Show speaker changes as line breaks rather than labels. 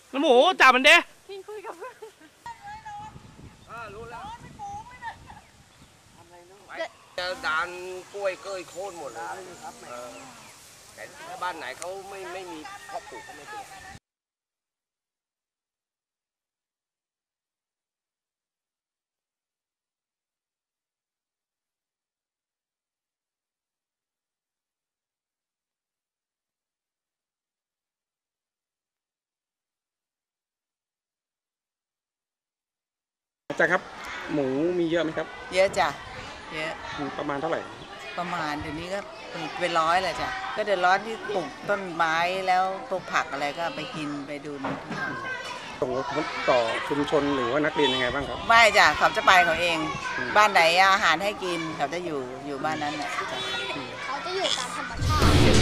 น้ำหมูจับมันเด้
พิงคุยกับเพื่อน
รู้แล้วจะดานกล้วยเกยโค่นหมดเลยแต่ถ้าบ้านไหนเขาไม่มีพ่อปลูกก็ไม่เป็น
อาจารย์ครับหมูมีเยอะไหมครับ
เยอะจ้ะเยอะ
ประมาณเท่าไหร่
ประมาณเดี๋ยวนี้ก็เป็นร้อยเลยจ้ะก็เดือดร้อนที่ปลูกต้นไม้แล้วปลูกผักอะไรก็ไปกินไปดูที่เขา
ส่งผลต่อชุมชนหรือว่านักเรียนยังไงบ้างครับ
ไม่จ้ะเขาจะไปเขาเองบ้านไหนอาหารให้กินเขาจะอยู่บ้านนั้นแหละ
เขาจะอยู่ตามธรรมชาติ